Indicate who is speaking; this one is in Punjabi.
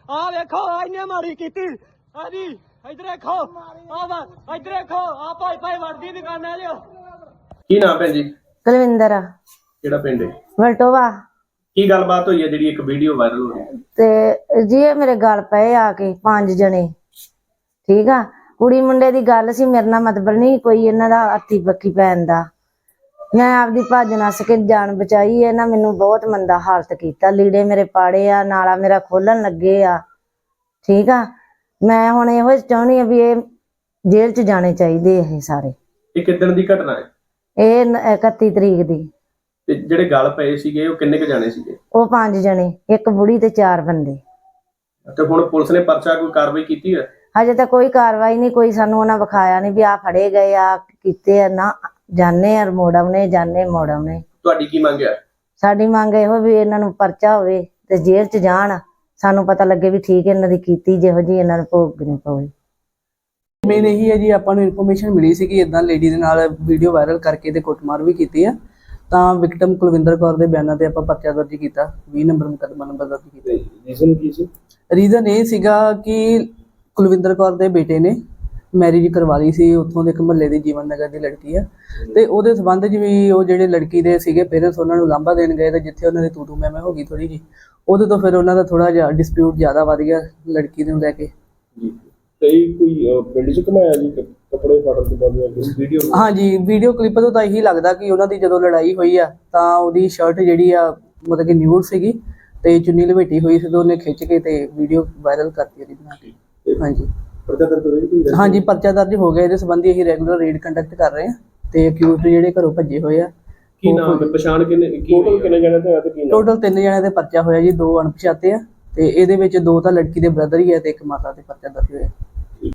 Speaker 1: ਆ ਵੇਖੋ ਇਹਨੇ ਮਾਰੀ ਕੀਤੀ ਆ ਜੀ ਇਧਰ ਦੇਖੋ ਆ ਵਾ ਇਧਰ ਦੇਖੋ ਆ ਭਾਈ ਭਾਈ ਵਰਦੀ ਦੁਕਾਨਾਂ ਲਿਓ।
Speaker 2: ਕੀ ਨਾਮ ਭੈਣ ਜੀ?
Speaker 3: ਕੁਲਵਿੰਦਰ।
Speaker 2: ਕਿਹੜਾ ਪਿੰਡ ਹੈ?
Speaker 3: ਵਲਟੋਵਾ।
Speaker 2: ਕੀ ਗੱਲਬਾਤ ਹੋਈ ਹੈ ਜਿਹੜੀ ਇੱਕ ਵੀਡੀਓ ਵਾਇਰਲ ਹੋ ਰਹੀ ਹੈ?
Speaker 3: ਤੇ ਜੀ ਇਹ ਮੇਰੇ ਗੱਲ ਪਏ ਆ ਕੇ 5 ਜਣੇ, ਠੀਕ ਆ। ਕੁੜੀ ਮੁੰਡੇ ਦੀ ਗੱਲ ਸੀ, ਮੇਰੇ ਨਾਲ ਮਤਲਬ ਨਹੀਂ ਕੋਈ ਇਹਨਾਂ ਦਾ ਹੱਥੀ ਬੱਕੀ ਪੈਣ ਦਾ। ਮੈਂ ਆਪਦੀ ਭੱਜ ਨੱਸ ਕੇ ਜਾਨ ਬਚਾਈ। ਇਹਨਾਂ ਮੈਨੂੰ ਬਹੁਤ ਮੰਦਾ ਹਾਲਤ ਕੀਤਾ, ਲੀੜੇ ਮੇਰੇ ਪਾੜੇ ਆ, ਨਾਲਾ ਮੇਰਾ ਖੋਲਣ ਲੱਗੇ ਆ, ਠੀਕ ਆ। ਮੈਂ ਹੁਣ ਇਹੋ ਚਾਹੁੰਦੀ ਆ ਵੀ ਇਹ ਜੇਲ੍ਹ 'ਚ ਜਾਣੇ ਚਾਹੀਦੇ ਇਹ ਸਾਰੇ।
Speaker 2: ਇਹ ਕਿੱਦਣ ਦੀ ਘਟਨਾ ਹੈ?
Speaker 3: ਇਹ 31 ਤਰੀਕ ਦੀ।
Speaker 2: ਤੇ ਜਿਹੜੇ ਗੱਲ ਪਏ ਸੀਗੇ ਉਹ ਕਿੰਨੇ ਕ ਜਾਣੇ ਸੀਗੇ?
Speaker 3: ਉਹ 5 ਜਣੇ, ਇੱਕ ਬੁੜੀ ਤੇ 4 ਬੰਦੇ।
Speaker 2: ਤੇ ਹੁਣ ਪੁਲਿਸ ਨੇ ਪਰਚਾ ਕੋਈ ਕਾਰਵਾਈ ਕੀਤੀ ਹੈ?
Speaker 3: ਹਜੇ ਤਾਂ ਕੋਈ ਕਾਰਵਾਈ ਨਹੀਂ, ਕੋਈ ਸਾਨੂੰ ਉਹਨਾਂ ਵਿਖਾਇਆ ਨਹੀਂ ਵੀ ਆ ਫੜੇ ਗਏ ਆ ਕੀਤੇ ਆ। ਨਾ ਜਾਣੇ ਆ ਮੋੜ ਆਉਣੇ, ਜਾਣੇ ਮੋੜ ਆਉਣੇ।
Speaker 2: ਤੁਹਾਡੀ ਕੀ ਮੰਗ ਹੈ?
Speaker 3: ਸਾਡੀ ਮੰਗ ਇਹੋ ਵੀ ਇਹਨਾਂ ਨੂੰ ਪਰਚਾ ਹੋਵੇ ਤੇ ਜੇਲ੍ਹ 'ਚ ਜਾਣ, ਸਾਨੂੰ ਪਤਾ ਲੱਗੇ ਵੀ ਠੀਕ ਇਹਨਾਂ ਦੀ ਕੀਤੀ ਜਿਹੋ ਜਿਹੀ ਇਹਨਾਂ ਨੂੰ ਭੋਗਣੀ ਪਵੇ।
Speaker 4: ਮੇਨ ਇਹੀ ਹੈ ਜੀ, ਆਪਾਂ ਨੂੰ ਇਨਫੋਰਮੇਸ਼ਨ ਮਿਲੀ ਸੀ ਕਿ ਇਦਾਂ ਲੇਡੀ ਦੇ ਨਾਲ ਵੀਡੀਓ ਵਾਇਰਲ ਕਰਕੇ ਤੇ ਕੁੱਟਮਾਰ ਵੀ ਕੀਤੀ ਆ। ਤਾਂ ਵਿਕਟਮ ਕੁਲਵਿੰਦਰ ਕੌਰ ਦੇ ਬਿਆਨਾਂ ਤੇ ਆਪਾਂ ਪਰਚਾ ਦਰਜ ਕੀਤਾ, 20 ਨੰਬਰ ਮੁਕੱਦਮਾ ਨੰਬਰ ਦਰਜ ਕੀਤਾ।
Speaker 2: ਰੀਜ਼ਨ ਕੀ ਸੀ?
Speaker 4: ਰੀਜ਼ਨ ਇਹ ਸੀਗਾ ਕਿ ਕੁਲਵਿੰਦਰ ਕੌਰ ਦੇ ਬੇਟੇ ਨੇ ਮੈਰਿਜ ਕਰਵਾ ਲਈ ਸੀ, ਉੱਥੋਂ ਦੇ ਇੱਕ ਮੁਹੱਲੇ ਦੀ ਜੀਵਨ ਨਗਰ ਦੀ ਲੜਕੀ ਆ। ਤੇ ਉਹਦੇ ਸੰਬੰਧ 'ਚ ਵੀ ਉਹ ਜਿਹੜੇ ਲੜਕੀ ਦੇ ਸੀਗੇ ਪੇਰੈਂਟਸ ਉਹਨਾਂ ਨੂੰ ਲਾਂਭਾ ਦੇਣ ਗਏ ਤੇ ਜਿੱਥੇ ਉਹਨਾਂ ਦੀ ਤੂੰ ਮੈਂ ਹੋ ਗਈ ਥੋੜੀ ਜੀ, ਉਹਦੇ ਤੋਂ ਫਿਰ ਉਹਨਾਂ ਦਾ ਥੋੜਾ ਜਿਹਾ ਡਿਸਪਿਊਟ ਜ਼ਿਆਦਾ ਵੱਧ ਗਿਆ ਲੜਕੀ ਨੂੰ ਲੈ ਕੇ।
Speaker 2: ਜੀ ਤੇ ਕੋਈ ਪਿੰਡ 'ਚ ਘਮਾਇਆ ਜੀ ਕੱਪੜੇ ਫਾੜਨ ਤੋਂ ਬਾਅਦ ਵੀਡੀਓ?
Speaker 4: ਹਾਂਜੀ, ਵੀਡੀਓ ਕਲਿੱਪ ਤੋਂ ਤਾਂ ਇਹੀ ਲੱਗਦਾ ਕਿ ਉਹਨਾਂ ਦੀ ਜਦੋਂ ਲੜਾਈ ਹੋਈ ਆ ਤਾਂ ਉਹਦੀ ਸ਼ਰਟ ਜਿਹੜੀ ਆ ਮਤਲਬ ਕਿ ਨਿਊਡ ਸੀਗੀ ਤੇ ਚੁੰਨੀ ਲਪੇਟੀ ਹੋਈ ਸੀ ਤੇ ਉਹਨੇ ਖਿੱਚ ਕੇ ਤੇ ਵੀਡੀਓ ਵਾਇਰਲ ਕਰਤੀ ਉਹਦੀ ਬਣਾ ਕੇ। ਹਾਂਜੀ
Speaker 2: ਪਰਚਾ ਦਰਜ ਹੋਇਆ?
Speaker 4: ਹਾਂਜੀ, ਪਰਚਾ ਦਰਜ ਹੋ ਗਿਆ। ਇਹਦੇ ਸੰਬੰਧੀ ਅਸੀਂ ਰੈਗੂਲਰ ਰੇਡ ਕੰਡਕਟ ਕਰ ਰਹੇ ਹਾਂ ਤੇ ਅਕਿਊਜ਼ਡ ਜਿਹੜੇ ਘਰੋਂ ਭੱਜੇ ਹੋਏ ਆ।
Speaker 2: ਕੀ ਨਾਮ ਹੈ? ਪਛਾਣ ਕਿੰਨੇ ਟੋਟਲ ਕਿੰਨੇ ਜਣੇ ਤੇ ਆ ਤੇ ਕੀ ਨਾਮ?
Speaker 4: ਟੋਟਲ 3 ਜਣਿਆਂ ਦੇ ਪਰਚਾ ਹੋਇਆ ਜੀ, 2 ਅਣਪਛਾਤੇ ਆ ਤੇ ਇਹਦੇ ਵਿੱਚ 2 ਤਾਂ ਲੜਕੀ ਦੇ ਬ੍ਰਦਰ ਹੀ ਆ ਤੇ ਇੱਕ ਮਾਤਾ ਦੇ ਪਰਚਾ ਦਰਜ ਹੋਇਆ।